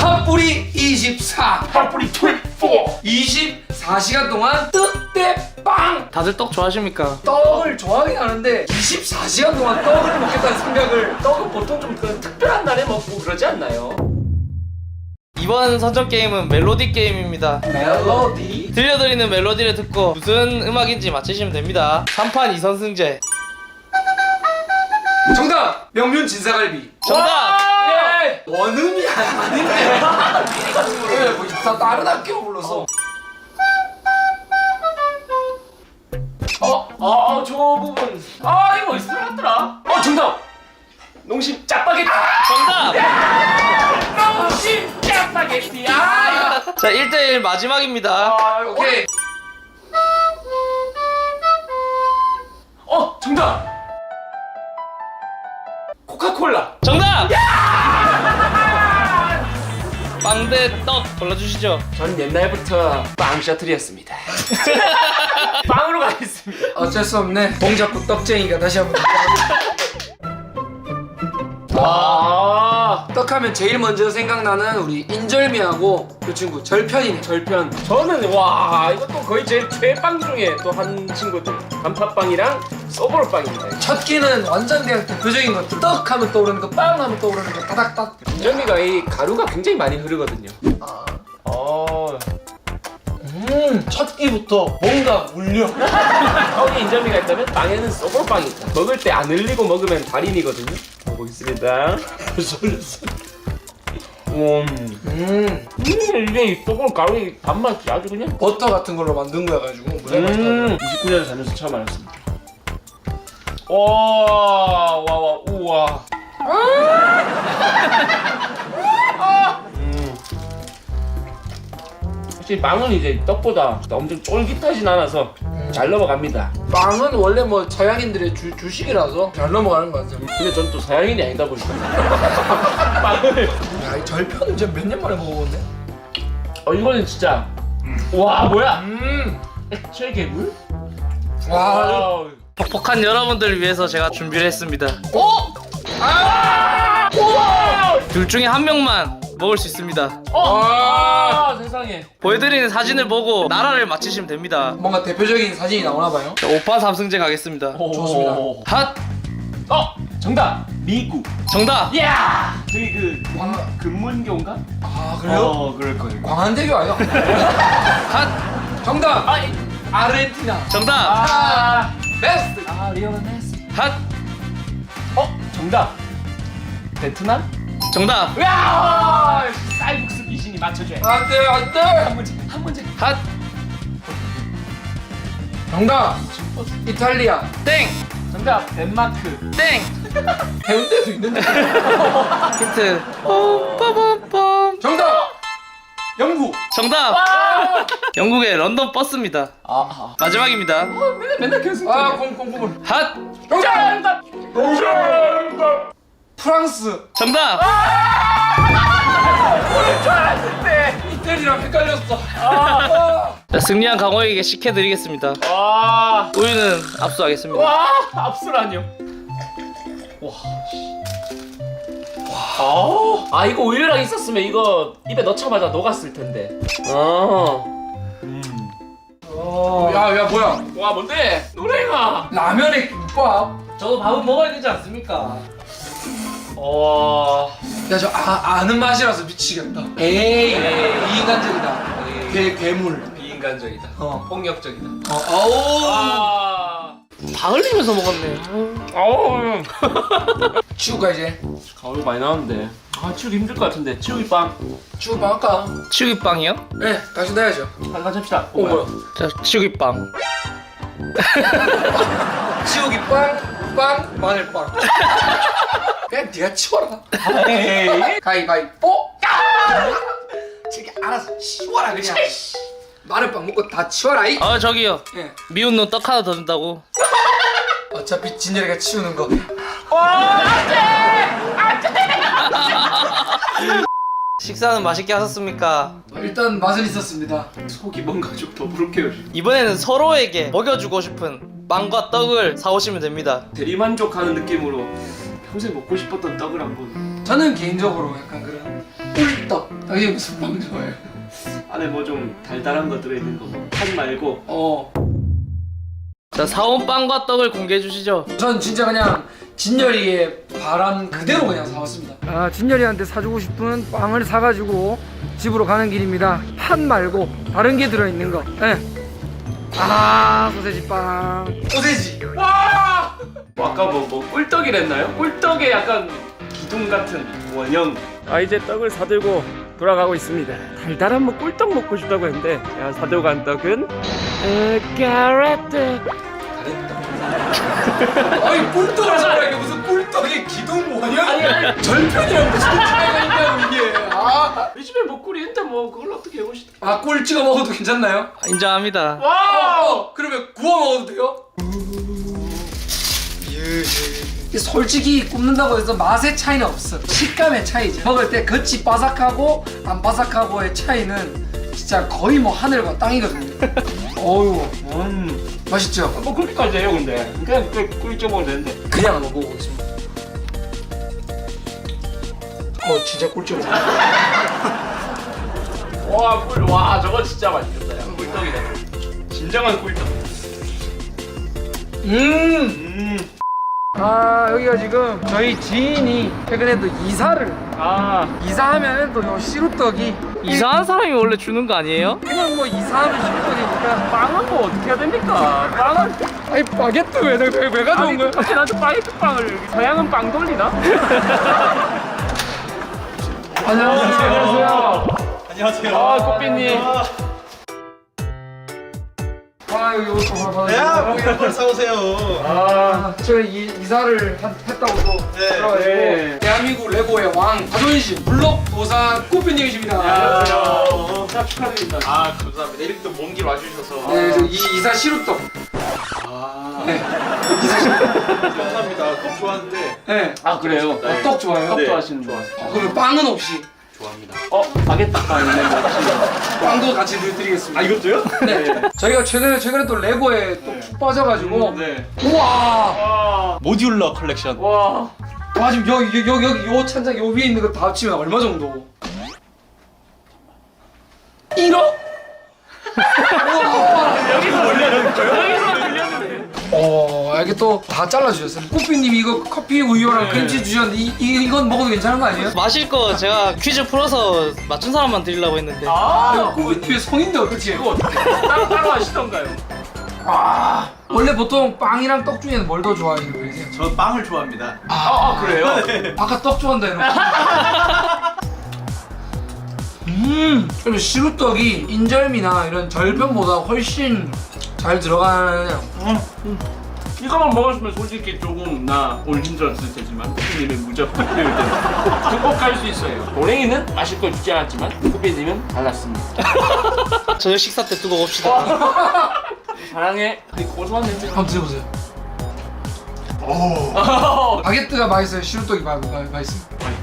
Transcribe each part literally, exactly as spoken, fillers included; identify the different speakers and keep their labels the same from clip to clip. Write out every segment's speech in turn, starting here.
Speaker 1: 팥뿌리 이십사.
Speaker 2: 팥뿌리 이십사.
Speaker 1: 이십사 시간 동안 떡대빵.
Speaker 3: 다들 떡 좋아하십니까?
Speaker 1: 떡을 좋아하긴 하는데 이십사 시간 동안 떡을 먹겠다는 생각을.
Speaker 2: 떡은 보통 좀 그 특별한 날에 먹고 그러지 않나요?
Speaker 3: 이번 선정 게임은 멜로디 게임입니다.
Speaker 1: 멜로디.
Speaker 3: 들려드리는 멜로디를 듣고 무슨 음악인지 맞히시면 됩니다. 삼 판 이 선승제.
Speaker 1: 정답! 명륜 진사갈비.
Speaker 3: 정답!
Speaker 1: 예! 원음이 아닌데. 예, 뭐 다 다른 학교 불러서.
Speaker 2: 어, 어, 저 부분. 아, 이거 어디서 들어갔더라? 어, 정답. 농심 짜파게티.
Speaker 3: 정답!
Speaker 2: 농심 짜파게티. 아, 이거.
Speaker 3: 자, 일 대 일 마지막입니다.
Speaker 2: 아,
Speaker 1: 오케이.
Speaker 2: 어, 정답. 코카콜라.
Speaker 3: 정답! 빵 대 떡 골라주시죠.
Speaker 2: 전 옛날부터 빵 셔틀이었습니다. 빵으로 가겠습니다.
Speaker 1: 어쩔 수 없네. 봉잡고 떡쟁이가 다시 한번.
Speaker 2: 아,
Speaker 1: 떡하면 제일 먼저 생각나는 우리 인절미하고 그 친구 절편이네.
Speaker 2: 절편. 저는 와, 이것도 거의 제 최빵 중에 또 한 친구들. 단팥빵이랑 소보로빵입니다.
Speaker 1: 첫 끼는 완전 그냥 대표적인 거. 떡 하면 떠오르는 거, 빵 하면 떠오르는 거, 따닥따닥.
Speaker 2: 인절미가 이 가루가 굉장히 많이 흐르거든요.
Speaker 1: 아.
Speaker 2: 어.
Speaker 1: 음, 첫 끼부터 뭔가 울려.
Speaker 2: 떡에 인절미가 있다면 빵에는 소보로빵이 있다. 먹을 때 안 흘리고 먹으면 달인이거든요. 먹어보겠습니다.
Speaker 1: 설렸어.
Speaker 2: 음.
Speaker 1: 음,
Speaker 2: 음, 이게 이 소보로 가루의 단맛이 아주 그냥.
Speaker 1: 버터 같은 걸로 만든 거여가지고 무지하게 맛있다.
Speaker 2: 음. 이십구 년에 살면서 처음 알았습니다. 와, 와, 와, 우와. 음. 확실히 빵은 이제 떡보다 엄청 쫄깃하진 않아서 잘 넘어갑니다.
Speaker 1: 빵은 원래 뭐 서양인들의 주, 주식이라서 잘 넘어가는 것 같아요.
Speaker 2: 근데 전 또 서양인이 아니다 보니까 빵을.
Speaker 1: 야, 이 절편은 진짜 몇 년 만에 먹어보네.
Speaker 2: 어, 이거는 진짜. 와, 뭐야?
Speaker 1: 음,
Speaker 2: 액체 괴물?
Speaker 1: 와,
Speaker 2: 와.
Speaker 3: 퍽퍽한 여러분들을 위해서 제가 준비를 했습니다.
Speaker 1: 어? 아! 우와!
Speaker 3: 둘 중에 한 명만 먹을 수 있습니다.
Speaker 2: 어!
Speaker 1: 아!
Speaker 2: 아, 세상에.
Speaker 3: 보여드리는 사진을 보고 나라를 맞히시면 됩니다.
Speaker 1: 뭔가 대표적인 사진이 나오나 봐요.
Speaker 3: 자, 오 판 삼 승제 가겠습니다.
Speaker 1: 좋습니다.
Speaker 3: 핫!
Speaker 2: 어! 정답! 미국.
Speaker 3: 정답!
Speaker 2: 이야! 저기 그
Speaker 1: 와.
Speaker 2: 금문교인가?
Speaker 1: 아, 그래요?
Speaker 2: 어, 그럴 거예요.
Speaker 1: 광안대교 아니야?
Speaker 3: 핫!
Speaker 1: 정답!
Speaker 2: 아, 이-
Speaker 1: 아르헨티나.
Speaker 3: 정답!
Speaker 2: 아,
Speaker 1: 베스트!
Speaker 2: 아, 리오넬 메시.
Speaker 3: 핫!
Speaker 2: 어, 정답. 베트남?
Speaker 3: 정답!
Speaker 2: 야! 쌀국수 귀신이 맞춰줘야 돼.
Speaker 1: 안 돼, 안 돼!
Speaker 2: 한 문제, 한 문제.
Speaker 3: 핫!
Speaker 1: 정답! 이탈리아.
Speaker 3: 땡!
Speaker 2: 정답. 덴마크.
Speaker 3: 땡!
Speaker 1: 해운대도 있는데.
Speaker 3: 힌트. 빰빰빰빰.
Speaker 1: 정답! 영국.
Speaker 3: 정답!
Speaker 2: 아,
Speaker 3: 영국의 런던 버스입니다.
Speaker 2: 아,
Speaker 3: 마지막입니다.
Speaker 2: 맨날 맨날 계속.
Speaker 1: 아, 콩콩콩.
Speaker 3: 핫!
Speaker 1: 정답!
Speaker 2: 정답.
Speaker 1: 프랑스.
Speaker 3: 정답!
Speaker 2: 모를 줄 알았는데.
Speaker 1: 이태리랑 헷갈렸어.
Speaker 2: 아,
Speaker 3: 자, 승리한 강호에게 식혜드리겠습니다.
Speaker 2: 와,
Speaker 3: 우유는 압수하겠습니다.
Speaker 2: 와, 압수라뇨. 와. 와. 아, 이거 우유랑 있었으면 이거 입에 넣자마자 녹았을 텐데. 아. 음.
Speaker 1: 어, 야, 야, 뭐야?
Speaker 2: 와, 뭔데? 노래가.
Speaker 1: 라면에 김밥.
Speaker 3: 저도 밥은 먹어야 되지 않습니까?
Speaker 2: 와.
Speaker 1: 야, 저 아, 아는 맛이라서 미치겠다. 에이, 비인간적이다. 괴, 괴물.
Speaker 2: 비인간적이다.
Speaker 1: 어.
Speaker 2: 폭력적이다.
Speaker 1: 어, 어우.
Speaker 2: 아.
Speaker 3: 다 흘리면서 먹었네.
Speaker 2: 아우.
Speaker 1: 치우가 이제.
Speaker 2: 가을 많이 나왔는데. 아, 치우기 힘들 것 같은데. 치우기 빵.
Speaker 1: 치우 방 할까?
Speaker 3: 치우기빵이요?
Speaker 1: 네, 다시 넣어야죠.
Speaker 2: 한잔 합시다.
Speaker 1: 어, 뭐야?
Speaker 3: 자, 치우기빵.
Speaker 1: 치우기 빵, 빵, 마늘빵. 그냥 네가 치워라.
Speaker 2: 에이.
Speaker 1: 가위바위뽀. 저기 알아서 치워라 그냥. 마늘빵 먹고 다 치워라 이.
Speaker 3: 아, 저기요.
Speaker 1: 예.
Speaker 3: 미운 놈 떡 하나 더 준다고.
Speaker 1: 어차피 진열이가 치우는 거.
Speaker 3: 식사는 맛있게 하셨습니까?
Speaker 1: 일단 맛은 있었습니다.
Speaker 2: 속이 뭔가 좀 더부룩해요.
Speaker 3: 이번에는 서로에게 먹여주고 싶은 빵과 떡을 사오시면 됩니다.
Speaker 2: 대리만족하는 느낌으로 평생 먹고 싶었던 떡을 한번.
Speaker 1: 저는 개인적으로 약간 그런 꿀떡. 당신 무슨 빵 좋아해요?
Speaker 2: 안에 뭐 좀 달달한 거 들어있는 거. 팥 말고.
Speaker 1: 어.
Speaker 3: 자, 사온 빵과 떡을 공개해 주시죠.
Speaker 1: 전 진짜 그냥 진열이의 바람 그대로 그냥 사왔습니다. 아, 진열이한테 사주고 싶은 빵을 사가지고 집으로 가는 길입니다. 팥 말고 다른 게 들어있는 거. 네. 아, 소세지 빵. 소세지.
Speaker 2: 와! 아까 뭐, 뭐 꿀떡이랬나요? 꿀떡의 약간 기둥 같은 원형. 아, 이제 떡을 사들고 돌아가고 있습니다. 달달한 뭐 꿀떡 먹고 싶다고 했는데 야, 사들고 간 떡은 에, 가래떡.
Speaker 1: 아니, 꿀떡을 사라니까 무슨 꿀떡의 기둥 원형? 절편이랑 무슨 차이가 있냐고 이게. 아,
Speaker 2: 이 집에 뭐 꿀이 있는데 뭐 그걸 어떻게 해보시다.
Speaker 1: 아, 꿀 찍어 먹어도 괜찮나요?
Speaker 3: 인정합니다.
Speaker 2: 와!
Speaker 1: 어, 그러면 구워 먹어도 돼요? 솔직히 굽는다고 해서 맛의 차이는 없어. 식감의 차이지. 먹을 때 겉이 바삭하고 안 바삭하고의 차이는 진짜 거의 뭐 하늘과 땅이거든요. 어우,
Speaker 2: 음.
Speaker 1: 맛있죠?
Speaker 2: 뭐 그렇게까지 해요 근데. 그냥 꿀, 꿀 찍어 먹으면 되는데.
Speaker 1: 그냥 한번 먹어보겠습니다. 어, 진짜 꿀ጭ어.
Speaker 2: 와, 꿀. 와, 저거 진짜 맛있겠다. 야, 꿀떡이다. 진정한 꿀떡.
Speaker 1: 음.
Speaker 2: 음.
Speaker 1: 아, 여기가 지금 저희 지인이 최근에 또 이사를
Speaker 2: 아.
Speaker 1: 이사하면 또 요 시루떡이
Speaker 3: 이상한 사람이 원래 주는 거 아니에요?
Speaker 1: 그냥 뭐 이사하면 시루떡이니까.
Speaker 2: 빵은 뭐 어떻게 해야 됩니까? 빵은.
Speaker 1: 아니, 바게트 왜, 왜, 왜 가져온 거야?
Speaker 2: 갑자기 나한테 바게트 빵을 여기 서양은 빵 돌리나?
Speaker 1: 안녕하세요. 안녕하세요.
Speaker 4: 안녕하세요.
Speaker 2: 아, 꽃비님.
Speaker 1: 아, 여기 옷도 하나 받아주세요.
Speaker 4: 야, 뭐 이런 걸 사오세요.
Speaker 1: 아, 제가 이, 이사를 한- 했다고 또
Speaker 4: 네,
Speaker 1: 들어가지고
Speaker 2: 네.
Speaker 1: 대한민국 레고의 왕 자존심 물럭 도사 꽃비님이십니다.
Speaker 2: 안녕하세요. 자, 축하드립니다.
Speaker 4: 아, 감사합니다. 이렇게 또 먼 길 와주셔서.
Speaker 1: 네, 저 이, 이사 시루떡.
Speaker 4: 아,
Speaker 1: 네, 이사 시루떡.
Speaker 4: 감사합니다. 떡 좋아하는데.
Speaker 1: 네.
Speaker 2: 아, 그래요?
Speaker 1: 어, 떡 좋아해요?
Speaker 2: 떡
Speaker 4: 네.
Speaker 2: 좋아하시는 거.
Speaker 1: 어, 그러면 빵은 없이
Speaker 4: 좋아합니다.
Speaker 2: 어, 바게트 빵이네.
Speaker 1: 빵도 같이 드리겠습니다.
Speaker 4: 아, 이것도요?
Speaker 1: 네. 저희가 최근에 최근에 또 레고에 또 푹 빠져가지고
Speaker 4: 네.
Speaker 1: 우와.
Speaker 2: 와.
Speaker 4: 모듈러 컬렉션.
Speaker 2: 와.
Speaker 1: 와, 지금 여기 여기 여기 요 찬장 요 위에 있는 거 다 합치면 얼마 정도? 일억?
Speaker 2: 여기서 들려는 거예요? 여기서 들렸는데.
Speaker 1: 어, 이게 또 다 잘라주셨어요. 꽃비님 이거 커피 우유랑
Speaker 2: 네.
Speaker 1: 크림치즈 주셨는데 이, 이, 이건 먹어도 괜찮은 거 아니에요?
Speaker 3: 마실 거 제가 퀴즈 풀어서 맞춘 사람만 드리려고 했는데.
Speaker 2: 아,
Speaker 1: 꽃비님의 성인데 어떡해.
Speaker 2: 이거 어떻게 따로 따로 하시던가요?
Speaker 1: 아, 원래 보통 빵이랑 떡 중에는 뭘 더 좋아하시는 거예요?
Speaker 4: 저 빵을 좋아합니다.
Speaker 2: 아, 아 그래요?
Speaker 4: 네.
Speaker 1: 아까 떡 좋아한다 해놓고. 음, 그리고 시루떡이 인절미나 이런 절편보다 훨씬 잘 들어가는.
Speaker 2: 이거만 먹었으면 솔직히 조금 나 오늘 힘들었을 테지만 쿠비님은 무조건 필요일 때 극복할 수 있어요. 도랭이는 마실 걸 주지 않았지만 쿠비님은 달랐습니다.
Speaker 3: 저녁 식사 때 두고 봅시다.
Speaker 2: 사랑해. 이 고소한 냄새.
Speaker 1: 한번 드셔보세요.
Speaker 2: 오.
Speaker 1: 바게트가 맛있어요? 시루떡이 마, 마, 맛있어요?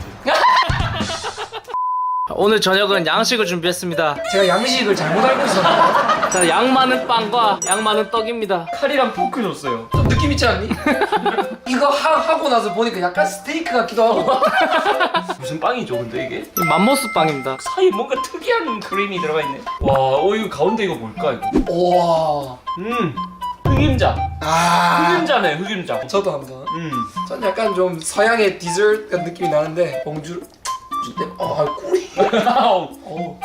Speaker 3: 오늘 저녁은 양식을 준비했습니다.
Speaker 1: 제가 양식을 잘못 알고 있었나요?
Speaker 3: 자, 양 많은 빵과 양 많은 떡입니다.
Speaker 2: 칼이랑 포크 줬어요.
Speaker 1: 좀 느낌 있지 않니? 이거 하, 하고 나서 보니까 약간 스테이크 같기도 하고.
Speaker 2: 무슨 빵이죠 근데 이게?
Speaker 3: 이 맘모스 빵입니다.
Speaker 2: 사이에 뭔가 특이한 크림이 들어가 있네. 와, 어 이거 가운데 이거 뭘까 이거?
Speaker 1: 우와.
Speaker 2: 음. 흑임자.
Speaker 1: 아.
Speaker 2: 흑임자네 흑임자.
Speaker 1: 저도 한번.
Speaker 2: 음.
Speaker 1: 전 약간 좀 서양의 디저트 같은 느낌이 나는데 봉주. 때 어, 아, 꿀이. 어.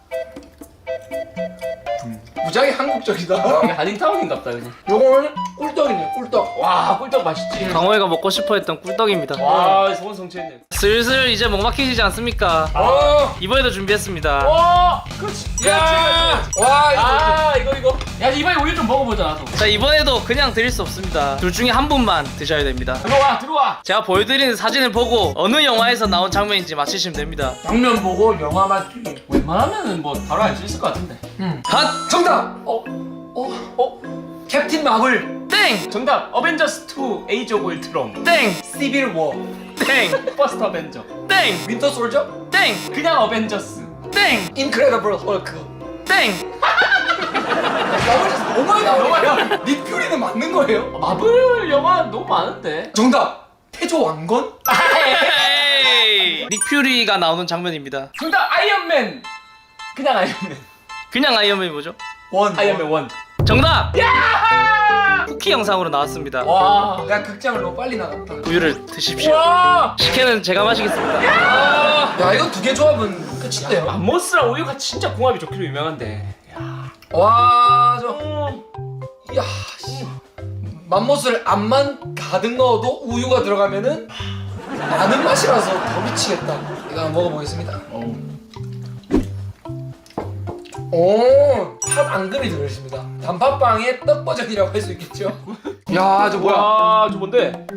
Speaker 1: 무지하게 한국적이다.
Speaker 2: 이게 한인타운인갑다 그냥.
Speaker 1: 요거는 꿀떡이네, 꿀떡.
Speaker 2: 와, 꿀떡 맛있지.
Speaker 3: 강호이가 먹고 싶어했던 꿀떡입니다.
Speaker 2: 와, 소원 성취했네.
Speaker 3: 슬슬 이제 목 막히시지 않습니까?
Speaker 1: 어.
Speaker 3: 이번에도 준비했습니다.
Speaker 2: 와, 그렇지.
Speaker 1: 야. 와, 이거.
Speaker 2: 아, 이거 이거. 야, 이번에 우유 좀 먹어보자 나도.
Speaker 3: 자, 이번에도 그냥 드릴 수 없습니다. 둘 중에 한 분만 드셔야 됩니다.
Speaker 2: 들어와, 들어와.
Speaker 3: 제가 보여드리는 사진을 보고 어느 영화에서 나온 장면인지 맞히시면 됩니다.
Speaker 1: 장면 보고 영화 맞추기.
Speaker 2: 웬만하면은 뭐 바로 알 수 있을 것 같은데.
Speaker 1: 음.
Speaker 3: 핫!
Speaker 1: 정답. 어. 어. 어. 캡틴 마블.
Speaker 3: 땡!
Speaker 2: 정답. 어벤져스 투 에이지 오브 울트론.
Speaker 3: 땡!
Speaker 1: 시빌 워.
Speaker 3: 땡!
Speaker 2: 퍼스트 어벤져.
Speaker 3: 땡!
Speaker 1: 윈터 솔저.
Speaker 3: 땡!
Speaker 2: 그냥 어벤져스.
Speaker 3: 땡!
Speaker 1: 인크레더블 헐크.
Speaker 3: 땡!
Speaker 1: 마블에서 너무 많이 나오네요. 닉퓨리는 맞는 거예요?
Speaker 2: 마블 영화 너무 많은데.
Speaker 1: 정답. 태조 왕건?
Speaker 3: 에이! 오케이. 닉 퓨리가 나오는 장면입니다.
Speaker 2: 정답 아이언맨. 그냥 아이언맨.
Speaker 3: 그냥 아이언맨이 뭐죠?
Speaker 1: 원.
Speaker 2: 아이언맨 원.
Speaker 3: 정답. 쿠키 영상으로 나왔습니다.
Speaker 2: 와.
Speaker 1: 야 극장을 너무 빨리 나갔다.
Speaker 3: 우유를 드십시오.
Speaker 2: 와.
Speaker 3: 식혜는 제가 마시겠습니다.
Speaker 1: 야 이거 두 개 조합은 끝인데요.
Speaker 2: 맘모스랑 우유가 진짜 궁합이 좋기로 유명한데.
Speaker 1: 와, 저, 야, 씨, 맘모스를 암만 가득 넣어도 우유가 들어가면은 많은 맛이라서 더 미치겠다. 이거 한번 먹어보겠습니다. 오, 팥 앙금이 들어있습니다. 단팥빵의 떡 버전이라고 할 수 있겠죠? 야, 저 뭐야?
Speaker 2: 와, 저 뭔데?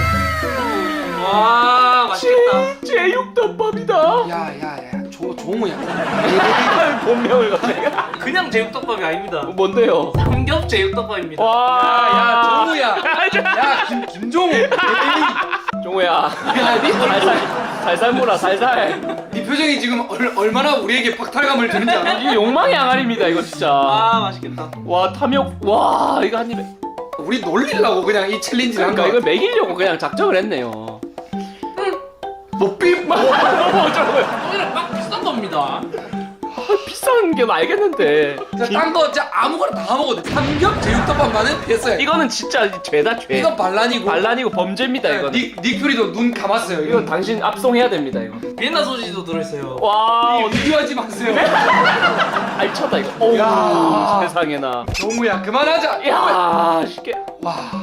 Speaker 3: 와 맛있겠다.
Speaker 2: 제육덮밥이다.
Speaker 1: 야, 야, 야, 조, 조무야.
Speaker 2: 본명을 갑자기.
Speaker 3: 그냥 제육덮밥이 아닙니다.
Speaker 2: 뭔데요?
Speaker 3: 삼겹 제육덮밥입니다.
Speaker 2: 와,
Speaker 1: 야, 조무야. 야, 김, 김종우.
Speaker 2: 종우야. 야, 니 살살, 살살 몰아, 살살.
Speaker 1: 네 표정이 지금 얼, 얼마나 우리에게 박탈감을 주는지 알아?
Speaker 2: 이 욕망의 항아리입니다, 이거 진짜.
Speaker 3: 아 맛있겠다.
Speaker 2: 와, 탐욕. 와, 이거 한 입에.
Speaker 1: 우리 놀리려고 그냥 이 챌린지를 한
Speaker 2: 그러니까
Speaker 1: 거야.
Speaker 2: 이걸 먹이려고 그냥 작정을 했네요.
Speaker 1: 뭐 삐, 뭐,
Speaker 2: 너무 어쩌고요.
Speaker 3: 오히려 막 비싼 겁니다.
Speaker 2: 비싼 게 알겠는데.
Speaker 1: 딴거 진짜 아무거나 다 먹어도 돼. 삼겹 제육덮밥만은 피했어요.
Speaker 2: 이거는 진짜 죄다 죄.
Speaker 1: 이건 반란이고.
Speaker 2: 반란이고 범죄입니다, 이거는.
Speaker 1: 닉, 닉퓨리도 눈 감았어요.
Speaker 2: 이건 당신 압송해야 됩니다, 이거.
Speaker 3: 비엔나 소시지도 들어있어요.
Speaker 2: 와, 어디
Speaker 1: 비교하지 마세요.
Speaker 2: 알차다 이거. 어우,
Speaker 1: 야.
Speaker 2: 세상에나.
Speaker 1: 종우야 그만하자.
Speaker 2: 야, 쉽게.
Speaker 1: 와.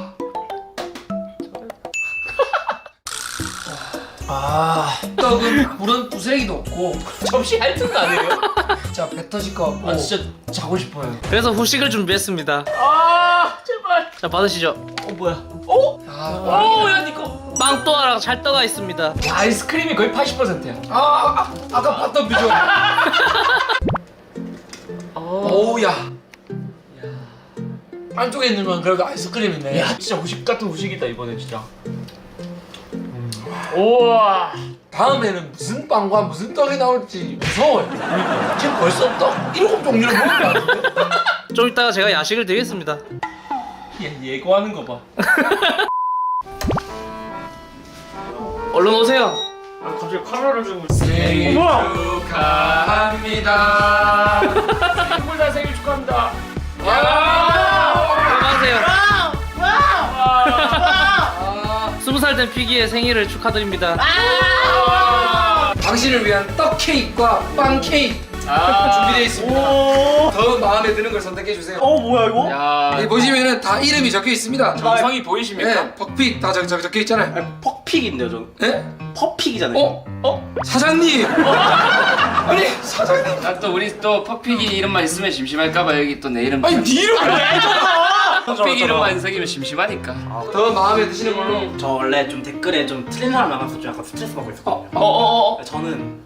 Speaker 3: 아
Speaker 1: 떡은 물은 부스레기도 없고
Speaker 2: 접시 할 틈도 안 해요.
Speaker 1: 진짜 배 터질 것 같고.
Speaker 3: 아, 진짜
Speaker 1: 자고 싶어요.
Speaker 3: 그래서 후식을 준비했습니다.
Speaker 2: 아, 제발.
Speaker 3: 자 받으시죠.
Speaker 2: 어, 뭐야? 어?
Speaker 1: 아,
Speaker 2: 오, 야, 니꺼.
Speaker 3: 빵또아랑 찰떡가 있습니다.
Speaker 2: 아이스크림이 거의 팔십 퍼센트야.
Speaker 1: 아, 아, 아 아까 봤던 비주얼. 어우 야. 안쪽에 있는 건 그래도 아이스크림이네.
Speaker 2: 야, 진짜 후식 같은 후식이다 이번에 진짜. 음. 우와.
Speaker 1: 다음에는 무슨 빵과 무슨 떡이 나올지 무서워요. 지금 벌써 떡 일곱 종류를 먹은 것 같은데?
Speaker 3: 좀 이따가 제가 야식을 드리겠습니다.
Speaker 2: 얘 예고하는 거 봐.
Speaker 3: 얼른 오세요.
Speaker 2: 아, 갑자기 카메라를 들고
Speaker 1: 생일
Speaker 2: 어머!
Speaker 1: 축하합니다.
Speaker 2: 꿀다 생일 축하합니다.
Speaker 3: 안녕하세요.
Speaker 1: 아,
Speaker 3: 스무 살 된 피기의 생일을 축하드립니다.
Speaker 1: 당신을 위한 떡 케이크와 빵 케이크 준비되어 있습니다. 더 마음에 드는 걸 선택해 주세요.
Speaker 4: 어 뭐야 이거?
Speaker 2: 야,
Speaker 1: 여기 보시면은 다 이름이 적혀 있습니다.
Speaker 2: 정성이 보이십니까?
Speaker 1: 네, 퍽픽 다 적, 적, 적혀 있잖아요.
Speaker 4: 아니, 퍽픽인데요 저.
Speaker 1: 네?
Speaker 4: 퍼픽이잖아요.
Speaker 1: 어? 어? 사장님! 아니 사장님!
Speaker 5: 아, 또 우리 또 퍼픽이 이름만 있으면 심심할까봐 여기 또 내 이름
Speaker 1: 아니 네 이름을 왜 적어!
Speaker 5: 퍼픽 이름만 새기면 심심하니까.
Speaker 1: 더 마음에 드시는 걸로.
Speaker 6: 저 원래 좀 댓글에 좀 틀린 사람 나가서 좀 약간 스트레스 받고 있었거든요.
Speaker 2: 어어어.
Speaker 6: 저는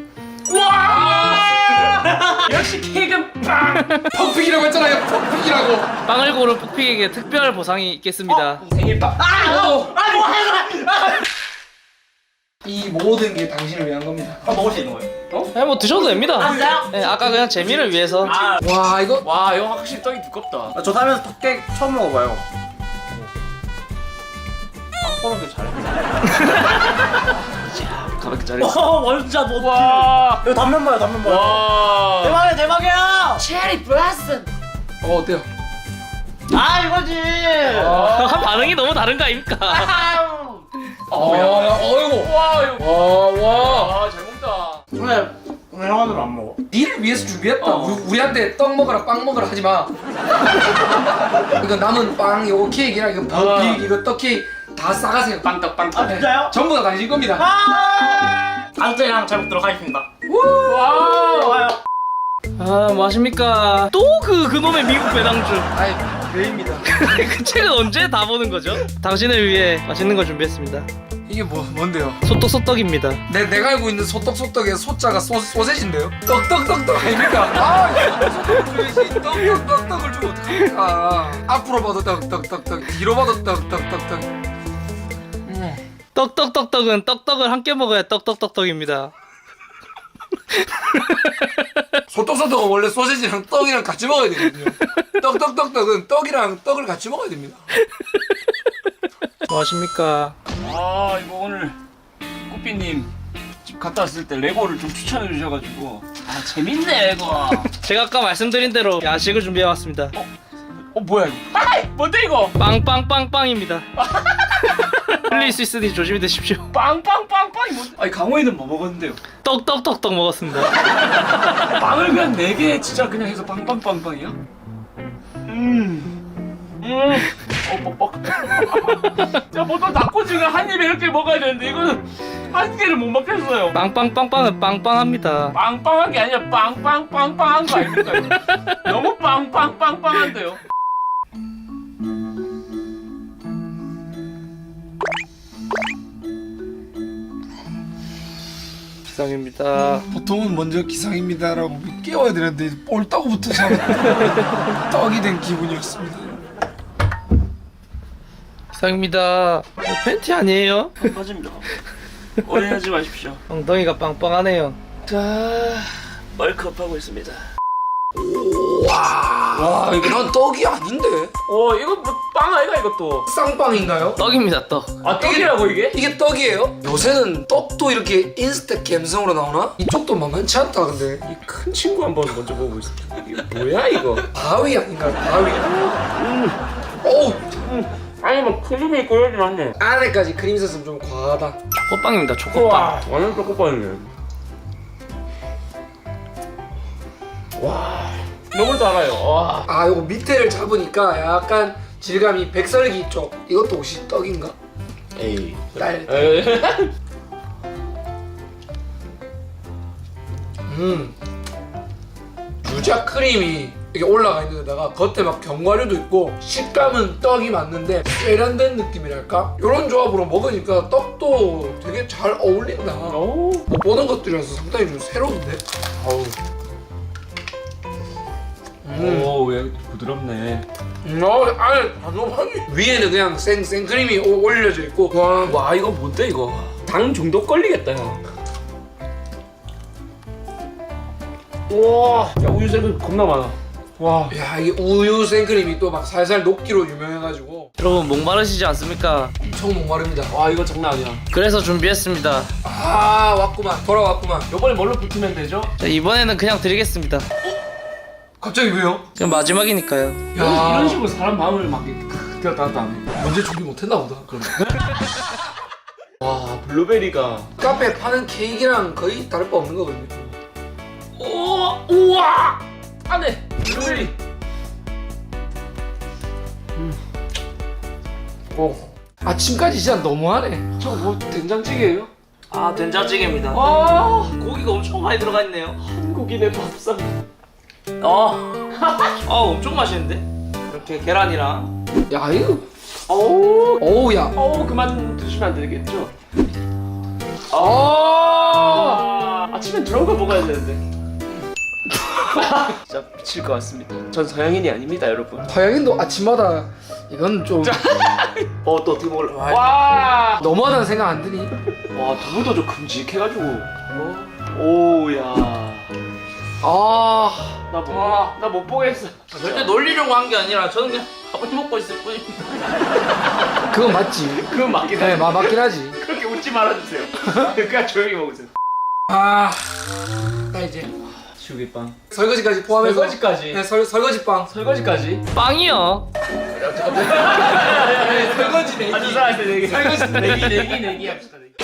Speaker 2: 역시 케이크는 빵.
Speaker 1: 퍽픽이라고 했잖아요. 퍽픽이라고.
Speaker 3: 빵을 고른 푹픽에게 특별 보상이 있겠습니다.
Speaker 2: 생일빵.
Speaker 1: 이 모든 게 당신을 위한 겁니다.
Speaker 6: 아, 먹을 수 있는 거예요?
Speaker 3: 그냥 뭐 드셔도 됩니다.
Speaker 6: 아, 진짜요?
Speaker 3: 네, 아까 그냥 재미를 위해서.
Speaker 6: 아,
Speaker 1: 와 이거
Speaker 2: 와, 이거 확실히 떡이 두껍다.
Speaker 6: 저 살면서 턱깨 처음 먹어봐요.
Speaker 2: 코로도 잘해.
Speaker 5: 가볍게 자르.
Speaker 6: 와, 완전 뭐
Speaker 2: 와.
Speaker 6: 이거 단면 봐요, 단면 봐요.
Speaker 2: 와.
Speaker 6: 대박이야, 대박이야.
Speaker 1: 어 어때요?
Speaker 6: 아, 이거지.
Speaker 3: 어, 반응이 너무 다른 거 아닙니까?
Speaker 1: 어, 야, 어이구.
Speaker 2: 와, 이거.
Speaker 1: 와 와.
Speaker 2: 와, 잘 먹다.
Speaker 6: 오늘 오늘 형아들은 안 먹어.
Speaker 1: 니를 위해서 준비했다. 우리, 우리한테 떡 먹어라 빵 먹어라 하지 마. 이거 남은 빵, 이거 케이크랑 이거 버픽, 이거 떡 케이크 다 싸가세요.
Speaker 5: 빵떡 빵떡.
Speaker 6: 아, 진짜요?
Speaker 1: 전부 다 당신 겁니다.
Speaker 6: 아, 다음 주에랑 잘 먹도록 하겠습니다.
Speaker 2: 와.
Speaker 6: 좋아요.
Speaker 3: 아, 뭐 하십니까? 또 그 그놈의 미국 배당주.
Speaker 1: 아이 배입니다.
Speaker 3: 그 책은 언제 다 보는 거죠? 당신을 위해 맛있는 걸 준비했습니다.
Speaker 1: 이게 뭐 뭔데요?
Speaker 3: 소떡 소떡입니다.
Speaker 1: 내 내가 알고 있는 소떡 소떡의 소자가 소 소세지인데요? 떡떡떡떡 아닙니까? 아 소떡을 줘야지. 떡떡떡떡을 주면 어떡합니까? 앞으로 봐도 떡떡떡떡, 뒤로 봐도 떡떡떡떡. 음.
Speaker 3: 떡떡떡떡은 떡떡을 함께 먹어야 떡떡떡떡입니다.
Speaker 1: 소떡소떡은 원래 소세지랑 떡이랑 같이 먹어야 되거든요. 떡떡떡떡은 떡이랑 떡을 같이 먹어야 됩니다.
Speaker 3: 뭐 하십니까?
Speaker 5: 아 이거 오늘
Speaker 2: 삐삐님 집 갔다 왔을 때 레고를 좀 추천해 주셔가지고 아 재밌네 이거.
Speaker 3: 제가 아까 말씀드린 대로 야식을 준비해왔습니다.
Speaker 2: 어 뭐야 이거? 아 뭔데 이거?
Speaker 3: 빵빵빵빵입니다. 흘릴 수 있으니 조심히 드십시오.
Speaker 2: 빵빵빵빵이 뭔데? 아니 강호이는 뭐 먹었는데요?
Speaker 3: 떡떡떡떡 먹었습니다.
Speaker 2: 빵을 그냥 네 개 진짜 그냥 해서 빵빵빵빵이야? 음. 음. 어 뻑뻑. 야 보통 닭꼬치가 한 입에 이렇게 먹어야 되는데 이거는 한 개를 못 먹겠어요.
Speaker 3: 빵빵빵빵은 빵빵합니다.
Speaker 2: 빵빵한 게 아니라 빵빵빵빵한 거 아닙니까? 이거? 너무 빵빵빵빵한데요.
Speaker 3: 기상입니다.
Speaker 1: 보통은 먼저 기상입니다라고 깨워야 되는데 옳다고부터 참 떡이 된 기분이었습니다.
Speaker 3: 기상입니다. 이거 팬티 아니에요?
Speaker 2: 빠집니다. 오해하지 마십시오.
Speaker 3: 엉덩이가 빵빵하네요.
Speaker 2: 자, 멀컵하고 있습니다.
Speaker 1: 와 이거 난 떡이 아닌데?
Speaker 2: 어, 이거 뭐 빵 아이가 이것도?
Speaker 1: 쌍빵인가요?
Speaker 3: 떡입니다, 떡.
Speaker 2: 아, 떡이라고 이게?
Speaker 1: 이게 떡이에요? 요새는 떡도 이렇게 인스타 감성으로 나오나? 이쪽도 만만치 않다 근데.
Speaker 2: 이 큰 친구 한번 먼저 보고 있습니다. 이게 뭐야 이거?
Speaker 1: 바위 아닌가요? 바위. 어우
Speaker 2: 아니 뭐 크림이 꼬여진 않네.
Speaker 1: 안에까지 크림 있었으면 좀 과하다.
Speaker 3: 초코빵입니다, 초코빵.
Speaker 2: 우와, 완전 초코빵이네. 와, 너무 달아요. 와.
Speaker 1: 아 요거 밑에를 잡으니까 약간 질감이 백설기 쪽. 이것도 혹시 떡인가?
Speaker 2: 에이.
Speaker 1: 딸.
Speaker 2: 에이.
Speaker 1: 음. 유자 크림이 이게 올라가 있는 데다가 겉에 막 견과류도 있고 식감은 떡이 맞는데 세련된 느낌이랄까? 이런 조합으로 먹으니까 떡도 되게 잘 어울린다.
Speaker 2: 오.
Speaker 1: 못 보는 것들이라서 상당히 좀 새로운데?
Speaker 2: 어우.
Speaker 1: 음.
Speaker 2: 오, 왜 부드럽네.
Speaker 1: 음, 어, 안에 단호하니 위에는 그냥 생, 생크림이 오- 올려져 있고 와,
Speaker 2: 와, 이거 뭔데 이거? 당 중독 걸리겠다 형. 우와, 야 우유 생크 겁나 많아. 와.
Speaker 1: 야 이게 우유 생크림이 또 막 살살 녹기로 유명해가지고
Speaker 3: 여러분 목마르시지 않습니까?
Speaker 1: 엄청 목마릅니다.
Speaker 2: 와, 이거 장난 아니야.
Speaker 3: 그래서 준비했습니다.
Speaker 1: 아 왔구만 돌아왔구만.
Speaker 2: 요번에 뭘로 붙으면 되죠?
Speaker 3: 자, 이번에는 그냥 드리겠습니다.
Speaker 1: 갑자기 왜요?
Speaker 3: 지금 마지막이니까요.
Speaker 2: 이런, 이런 식으로 사람 마음을 막 들었다 놨다 하네.
Speaker 1: 언제 준비 못했나 보다. 그럼
Speaker 2: 와, 블루베리가.
Speaker 1: 카페에 파는 케이크랑 거의 다를 바 없는 거거든요.
Speaker 2: 오, 우와! 안에 블루베리.
Speaker 1: 오 아침까지 진짜 너무하네.
Speaker 2: 저거 뭐 된장찌개예요?
Speaker 3: 아, 된장찌개입니다.
Speaker 2: 와,
Speaker 3: 고기가 엄청 많이 들어가 있네요.
Speaker 2: 한국인의 밥상.
Speaker 3: 어. 아, 엄청 맛있는데? 이렇게 계란이랑.
Speaker 1: 야 이거
Speaker 2: 어우,
Speaker 1: 어우 야.
Speaker 2: 어우, 그만 드시면 안 되겠죠?
Speaker 1: 아.
Speaker 2: 아, 아침에 들어온 거 먹어야 되는데. 진짜 미칠 것 같습니다. 전 서양인이 아닙니다, 여러분.
Speaker 1: 서양인도 아침마다 이건 좀
Speaker 2: 어, 또 어떻게 먹을래? 와,
Speaker 1: 너무하다는 생각 안 드니?
Speaker 2: 와, 두부도 좀 큼직해가지고. 오야.
Speaker 1: 아
Speaker 2: 나 뭐, 나못 보겠어.
Speaker 3: 절대 놀리려고 한 게 아니라 저는 그냥 밥을 먹고 있을 뿐입니다.
Speaker 1: 그건 맞지.
Speaker 2: 그건 맞긴
Speaker 1: 네
Speaker 2: 해.
Speaker 1: 마, 맞긴 하지.
Speaker 2: 그렇게 웃지 말아주세요. 그냥 조용히 먹으세요.
Speaker 1: 아, 나 이제
Speaker 2: 시우기빵.
Speaker 1: 설거지까지 포함해서
Speaker 2: 설거지까지.
Speaker 1: 네, 설, 설거지빵.
Speaker 2: 설거지까지.
Speaker 3: 빵이요.
Speaker 1: 네, 설거지 내기.
Speaker 2: 아, 두 사람한테 내기.
Speaker 1: 설거지
Speaker 2: 내기, 내기, 내기 합시다, 내기.